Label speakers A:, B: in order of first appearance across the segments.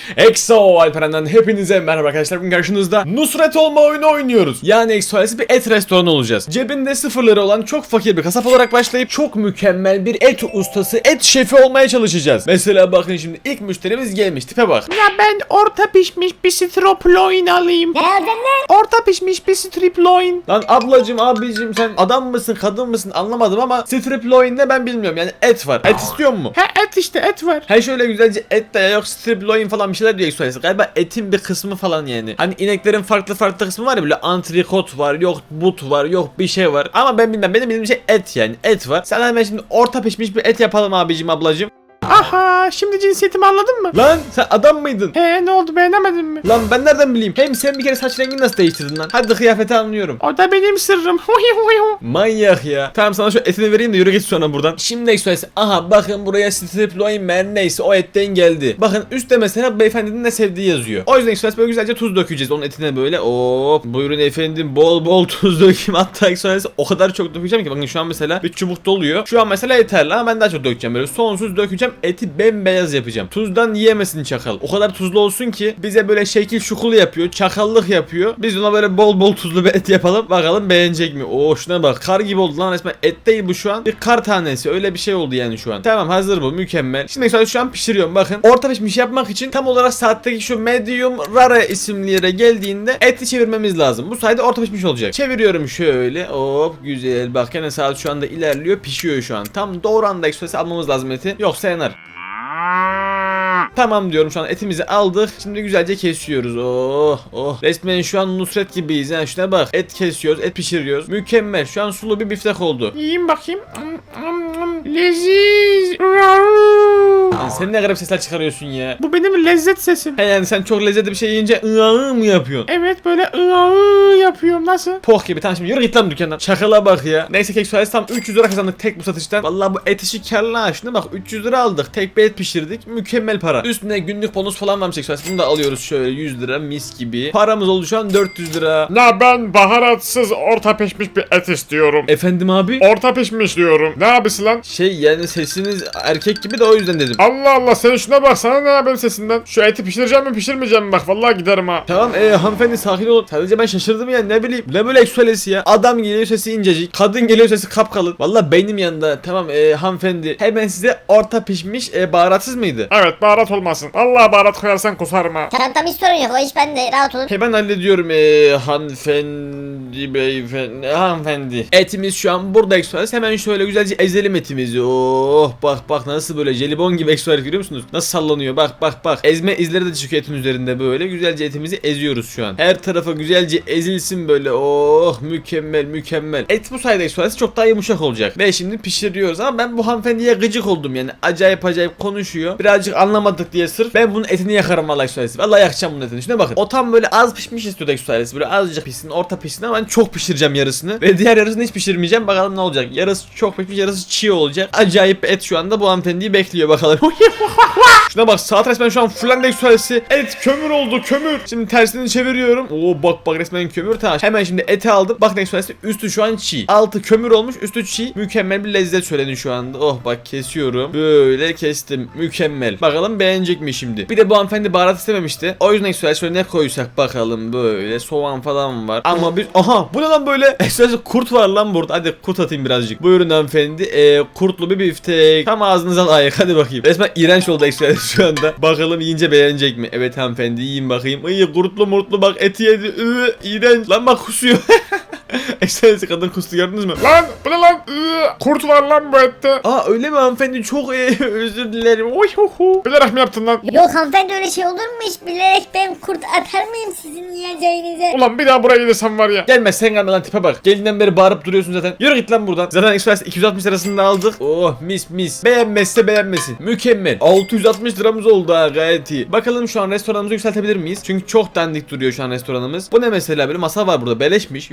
A: EXO Alperen'den hepinize merhaba arkadaşlar. Bugün karşınızda Nusret olma oyunu oynuyoruz. Yani EXO ailesi bir et restoranı olacağız. Cebinde sıfırları olan çok fakir bir kasap olarak başlayıp çok mükemmel bir et ustası, et şefi olmaya çalışacağız. Mesela bakın şimdi ilk müşterimiz gelmiş, tipe bak.
B: Ya ben orta pişmiş bir strip loin alayım.
C: Ne aldın lan?
B: Orta pişmiş bir strip loin.
A: Lan ablacım, abicim, sen adam mısın kadın mısın anlamadım ama strip loin ne ben bilmiyorum, yani et var. Et istiyor mu?
B: He et işte et var.
A: He şöyle güzelce et de yok strip loin falan bir şeyler diyor EXO ailesi. Galiba etin bir kısmı falan yani. Hani ineklerin farklı kısmı var ya, böyle antrikot var, yok but var, yok bir şey var. Ama ben bilmem, benim bildiğim şey et yani. Et var. Sen hemen şimdi orta pişmiş bir et yapalım abicim, ablacım.
B: Aha şimdi cinsiyetimi anladın mı?
A: Lan sen adam mıydın?
B: He ne oldu beğenemedin mi?
A: Lan ben nereden bileyim? Hem sen bir kere saç rengini nasıl değiştirdin lan? Hadi kıyafeti anlıyorum.
B: O da benim sırrım.
A: Manyak ya. Tamam, sana şu etini vereyim de yürü git sonra buradan. Şimdi EXO, aha bakın buraya strip loin mer neyse o etten geldi. Bakın üstte mesela beyefendinin ne sevdiği yazıyor. O yüzden EXO böyle güzelce tuz dökeceğiz onun etine böyle. Hop buyurun efendim, bol bol tuz dökeyim. Hatta EXO o kadar çok dökeceğim ki bakın şu an mesela bir çubuk doluyor. Şu an mesela yeterli ama ben daha çok dökeceğim, böyle sonsuz dökeceğim. Eti bembeyaz yapacağım. Tuzdan yiyemesin çakal. O kadar tuzlu olsun ki bize böyle şekil şukul yapıyor, çakallık yapıyor. Biz ona böyle bol bol tuzlu bir et yapalım. Bakalım beğenecek mi? Oo şuna bak. Kar gibi oldu lan resmen. Et değil bu şu an. Bir kar tanesi. Öyle bir şey oldu yani şu an. Tamam, hazır bu. Mükemmel. Şimdi sadece şu an pişiriyorum. Bakın. Orta pişmiş yapmak için tam olarak saatteki şu medium rare isimli yere geldiğinde eti çevirmemiz lazım. Bu sayede orta pişmiş olacak. Çeviriyorum şöyle. Hop güzel. Bak yine saat şu anda ilerliyor. Pişiyor şu an. Tam doğru anda ekstresi almamız lazım eti. Yoksa yanar. Tamam diyorum, şu an etimizi aldık. Şimdi güzelce kesiyoruz. Oh. Resmen şu an Nusret gibiyiz. Yani şuna bak. Et kesiyoruz, et pişiriyoruz. Mükemmel. Şu an sulu bir biftek oldu.
B: Yiyeyim bakayım. Leziz.
A: Yani sen ne garip sesler çıkarıyorsun ya.
B: Bu benim lezzet sesim.
A: He yani sen çok lezzetli bir şey yiyince ıı mı yapıyorsun?
B: Evet böyle yapıyorum, nasıl?
A: Poh gibi. Tamam şimdi yürü git lan dükkandan. Şakala bak ya. Neyse kek suaresi tam 300 lira kazandık tek bu satıştan. Vallahi bu et işi karlı ha. Şuna bak, 300 lira aldık. Tek bir et pişirdik. Mükemmel para. Üstüne günlük bonus falan varmış kek suaresi. Bunu da alıyoruz şöyle 100 lira mis gibi. Paramız oldu şu an 400 lira.
D: Ya ben baharatsız orta pişmiş bir et istiyorum.
A: Efendim abi?
D: Orta pişmiş diyorum. Ne abisi lan?
A: Şey yani sesiniz erkek gibi de o yüzden dedim.
D: Allah Allah, sen şuna bak, sana ne benim sesimden? Şu eti pişireceğim mi pişirmeyeceğim mi, bak vallahi giderim ha.
A: Tamam hanımefendi sakin olun. Sadece ben şaşırdım ya, ne bileyim. Ne böyle eksualesi ya. Adam geliyor sesi incecik. Kadın geliyor sesi kapkalın. Vallahi beynim yanında. Tamam hanımefendi. Hemen size orta pişmiş baharatsız mıydı?
D: Evet, baharat olmasın. Allah baharat koyarsan kusarım ha.
C: Tamam hiç sorun yok, o iş bende, rahat olun.
A: Hemen hallediyorum hanımefendi, beyefendi, hanımefendi. Etimiz şu an burada eksualesi. Hemen şöyle güzelce ezelim etimizi. Oh bak nasıl böyle jelibon gibi eksualesi, görüyor musunuz? Nasıl sallanıyor, bak. Ezme izleri de çıkıyor etin üzerinde böyle. Güzelce etimizi eziyoruz şu an. Her tarafa güzelce ezilsin böyle. Oh mükemmel. Et bu sayede eksualesi çok daha yumuşak olacak. Ve şimdi pişiriyoruz ama ben bu hanımefendiye gıcık oldum yani. Acayip konuşuyor. Birazcık anlamadık diye sırf ben bunun etini yakarım vallahi eksualesi. Vallahi yakacağım bunun etini. Şuna bakın. O tam böyle az pişmiş istiyordu eksualesi. Böyle azıcık pişsin, orta pişsin ama ben çok pişireceğim yarısını. Ve diğer yarısını hiç pişirmeyeceğim. Bakalım ne olacak. Yarısı çok pişmiş, yarısı çiğ olacak. Acayip et şu anda bu hanımefendiyi bekliyor bakalım. Şuna bak, saat resmen şu an fullendi eksualesi. Et kömür oldu, kömür. Şimdi tersini çeviriyorum. Oo bak resmen kömür. Tamam. Hemen şimdi eti aldım. Bak eksualesi üstü şu an çiğ. Altı kömür olmuş, üstü çiğ. Mükemmel bir lezzet söyledi şu anda. Oh bak kesiyorum. Böyle kestim. Mükemmel. Bakalım beğenecek mi şimdi? Bir de bu hanımefendi baharat istememişti. O yüzden eksualesi şöyle ne koysak bakalım, böyle soğan falan var. Ama bir aha bu ne lan böyle? Eksualesi kurt var lan burada. Hadi kurt atayım birazcık. Buyurun hanımefendi. Kurtlu bir biftek. Tam ağzınıza layık. Hadi bakayım. Resmen iğrenç oldu eksualesi şu anda. Bakalım yiyince beğenecek mi? Evet hanımefendi, yiyin bakayım. Ay kurtlu murtlu bak, eti yedi. İğrenç. Lan bak kusuyor. Eksualesi kadın kustu, gördünüz mü?
D: Lan bu ne lan? Kurt var lan bu ette.
A: Aa öyle mi hanımefendi? Çok özür dilerim. Oy ho ho.
D: Bilerek mi yaptın lan?
C: Yok hanımefendi, öyle şey olur mu hiç? Bilerek ben kurt atar mıyım sizin yiyeceğinize?
D: Ulan bir daha buraya gelirsem var ya.
A: Gelme sen, gelme lan, tipe bak. Gelinden beri bağırıp duruyorsun zaten. Yürü git lan buradan. Zaten Express 260 lirasını da aldık. Oh mis. Beğenmezse beğenmesin. Mükemmel. 660 liramız oldu ha, gayet iyi. Bakalım şu an restoranımızı yükseltebilir miyiz? Çünkü çok dandik duruyor şu an restoranımız. Bu ne mesela, böyle masa var burada beleşmiş. Yükseltelim.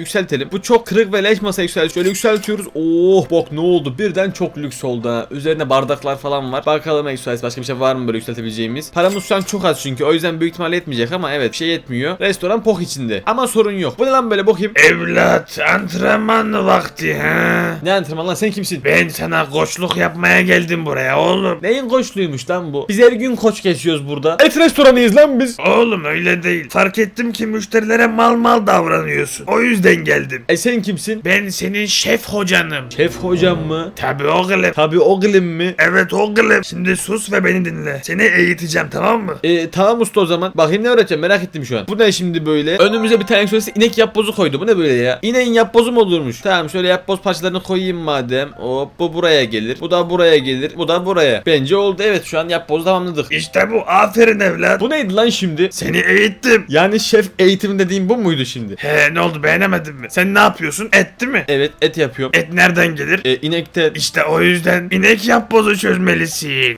A: geçelim. Bu çok kırık ve leş masa Exoales. Şöyle yükseltiyoruz. Oh bak ne oldu? Birden çok lüks oldu ha. Üzerinde bardaklar falan var. Bakalım Exoales başka bir şey var mı böyle yükseltebileceğimiz? Paramız şu an çok az çünkü. O yüzden büyük ihtimalle yetmeyecek ama evet bir şey yetmiyor. Restoran pok içinde. Ama sorun yok. Bu ne lan böyle bakayım.
E: Evlat, antrenman vakti ha.
A: Ne antrenman lan, sen kimsin?
E: Ben sana koçluk yapmaya geldim buraya oğlum.
A: Neyin koçluymuş lan bu? Biz her gün koç geçiyoruz burada. Et restoranıyız lan biz.
E: Oğlum öyle değil. Fark ettim ki müşterilere mal davranıyorsun. O yüzden geldim.
A: Sen kimsin?
E: Ben senin şef hocanım.
A: Şef hocam mı?
E: Tabii oğlum.
A: Tabii oğlum mi?
E: Evet oğlum. Şimdi sus ve beni dinle. Seni eğiteceğim, tamam mı?
A: Tamam usta o zaman. Bakayım ne öğreteceğim, merak ettim şu an. Bu ne şimdi böyle? Önümüze bir tane Exoales'e inek yapbozu koydu. Bu ne böyle ya? İneğin yapbozu mu olurmuş? Tamam şöyle yapboz parçalarını koyayım madem. Hop bu buraya gelir. Bu da buraya gelir. Bu da buraya. Bence oldu, evet şu an yapbozu tamamladık.
E: İşte bu. Aferin evlat.
A: Bu neydi lan şimdi?
E: Seni eğittim.
A: Yani şef eğitimi dediğim bu muydu şimdi?
E: He, ne oldu, beğenemedin mi? Sen ne yapıyorsun? Et değil mi?
A: Evet et yapıyorum.
E: Et nereden gelir?
A: İnekten.
E: İşte o yüzden inek yapbozu çözmelisin.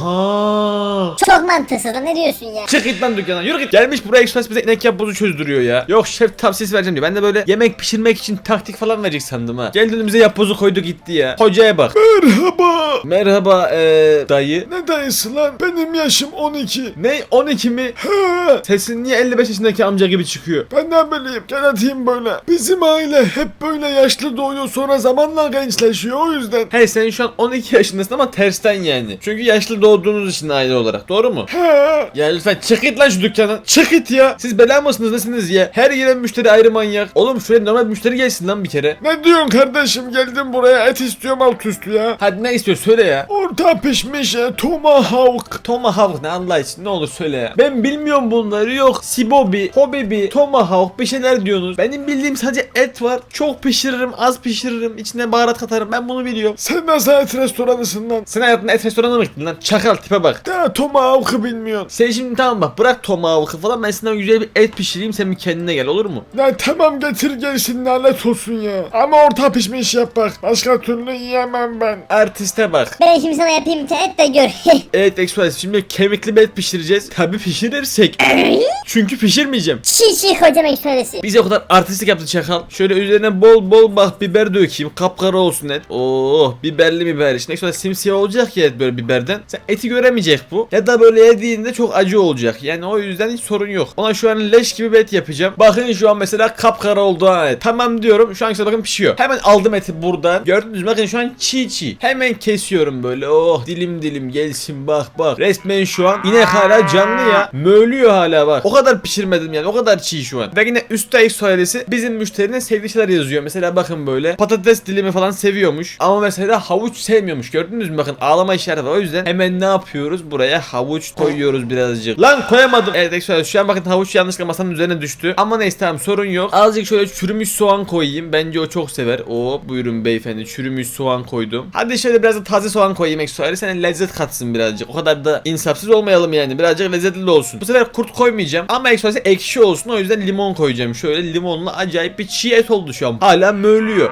A: Oha.
C: Çok mantıksız lan, ne diyorsun ya?
A: Çık git lan dükkandan, yürü git. Gelmiş buraya Express bize inek yapbozu çözdürüyor ya. Yok şef tavsiyesi vereceğim diyor. Ben de böyle yemek pişirmek için taktik falan verecek sandım ha. Geldi önümüze yapbozu koydu gitti ya. Hocaya bak.
D: Merhaba.
A: Merhaba dayı.
D: Ne dayısı lan? Benim yaşım 12.
A: Ne 12 mi?
D: He.
A: Sesin niye 55 yaşındaki amca gibi çıkıyor?
D: Ben ne bileyim, gel atayım böyle. Bizim aile hep böyle yaşlı doğuyor, sonra zamanla gençleşiyor, o yüzden.
A: Hey sen şu an 12 yaşındasın ama tersten yani. Çünkü yaşlı doğduğunuz için aile olarak, doğru mu?
D: He.
A: Ya lütfen çık git lan şu dükkandan. Çık git ya. Siz bela mısınız nesiniz ya? Her gelen müşteri ayrı manyak. Oğlum şuraya normal bir müşteri gelsin lan bir kere.
D: Ne diyorsun kardeşim, geldim buraya et istiyorum alt üstü ya.
A: Hadi ne istiyor söyle ya.
D: Orta pişmiş tomahawk.
A: Tomahawk ne Allah için, ne olur söyle ya. Ben bilmiyorum bunları, yok sibobi, hobibi, tomahawk bir şeyler diyorsunuz. Benim bildiğim sadece et var. Çok pişiririm, az pişiririm, içine baharat katarım, ben bunu biliyorum.
D: Sen nasıl et restoranısın lan?
A: Sen hayatında et restoranına mı gittin lan? Çakal tipe bak.
D: Daha tomahawk'ı bilmiyorsun.
A: Sen şimdi tamam bak, bırak tomahawk'ı falan, ben sana güzel bir et pişireyim, sen bir kendine gel, olur mu?
D: Ya tamam, getir gelsin, lanet olsun ya. Ama orta pişmiş yap bak. Başka türlü yiyemem ben.
A: Artiste bak.
C: Ben şimdi sana yapayım bir tane et de gör.
A: Evet Express, şimdi kemikli bir et pişireceğiz. Tabi pişirirsek. Çünkü pişirmeyeceğim.
C: Çiğ hocam söylesi.
A: Bize o kadar artistik yaptı çakal. Şöyle üzerine bol bol bak biber dökeyim. Kapkara olsun et. Oh biberli biber. Şimdi sonra simsiyah olacak ya et böyle biberden. Sen eti göremeyecek bu. Ya da böyle yediğinde çok acı olacak. Yani o yüzden hiç sorun yok. Ona şu an leş gibi bir et yapacağım. Bakın şu an mesela kapkara oldu ha et. Tamam diyorum. Şu an işte bakın pişiyor. Hemen aldım eti buradan. Gördünüz mü? Bakın şu an çiğ. Hemen kesiyorum böyle. Oh dilim dilim gelsin bak bak. Resmen şu an inek hala canlı ya. Mölüyor hala bak. O kadar pişirmedim yani. O kadar çiğ şu an. Ve yine üstte Exoales'i bizim müşterinin sevdiği şeyler yazıyor. Mesela bakın böyle patates dilimi falan seviyormuş. Ama mesela havuç sevmiyormuş. Gördünüz mü? Bakın ağlama işareti var. O yüzden hemen ne yapıyoruz? Buraya havuç koyuyoruz birazcık. Lan koyamadım. Evet Exoales şu an bakın havuç yanlışlıkla masanın üzerine düştü. Ama neyse tamam sorun yok. Azıcık şöyle çürümüş soğan koyayım. Bence o çok sever. Oo buyurun beyefendi. Çürümüş soğan koydum. Hadi şöyle biraz da taze soğan koyayım Exoales. Hani lezzet katsın birazcık. O kadar da insafsız olmayalım yani. Birazcık lezzetli de olsun. Bu sefer kurt koymayacağım. Ama Exoales'e ekşi olsun. O yüzden limon koyacağım. Şöyle limonlu acayip bir çiğ et oldu şu an. Hala mölüyor.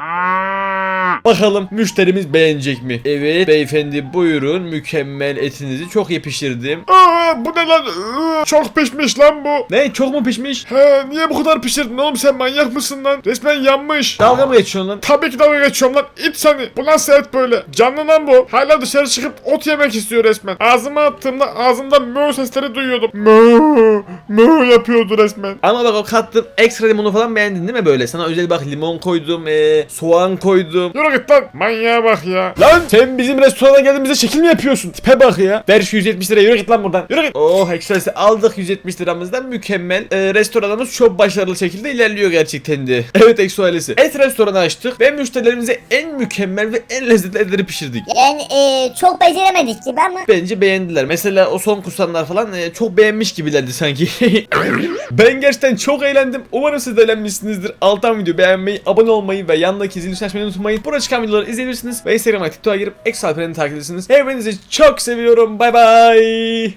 A: Bakalım müşterimiz beğenecek mi? Evet beyefendi buyurun, mükemmel etinizi çok iyi pişirdim.
D: Bu ne lan? Çok pişmiş lan bu.
A: Ne, çok mu pişmiş?
D: He, niye bu kadar pişirdin oğlum, sen manyak mısın lan? Resmen yanmış.
A: Dalga mı geçiyorsun lan?
D: Tabii ki dalga geçiyorum lan, it seni. Bu nasıl et böyle? Canlı lan bu. Hala dışarı çıkıp ot yemek istiyor resmen. Ağzıma attığımda ağzımda mö sesleri duyuyordum. Mö yapıyordu resmen.
A: Ama bak o kattığım ekstra limonu falan beğendin değil mi böyle? Sana özel bak limon koydum, soğan koydum.
D: Yürü git lan, manyağa bak ya.
A: Lan sen bizim restorana geldiğimizde şekil mi yapıyorsun? Tipe bak ya. Ver şu 170 liraya, yürü git lan buradan. Yürü git. Oh Express'i aldık 170 liramızdan, mükemmel. Restoranımız çok başarılı şekilde ilerliyor gerçekten de. Evet Express'i. Et restoranı açtık ve müşterilerimize en mükemmel ve en lezzetli etleri pişirdik.
C: Yani çok beceremedik gibi ama.
A: Bence beğendiler. Mesela o son kusanlar falan çok beğenmiş gibilerdi sanki. Ben gerçekten çok eğlendim. Umarım siz de eğlenmişsinizdir. Alttan video beğenmeyi, abone olmayı ve yanındaki zil tuşunu açmayı unutmayın. Burada çıkan videoları izleyebilirsiniz ve Instagram'a, TikTok'a girip Exo Alperen'i takip edersiniz. Hepinizi çok seviyorum. Bay bay.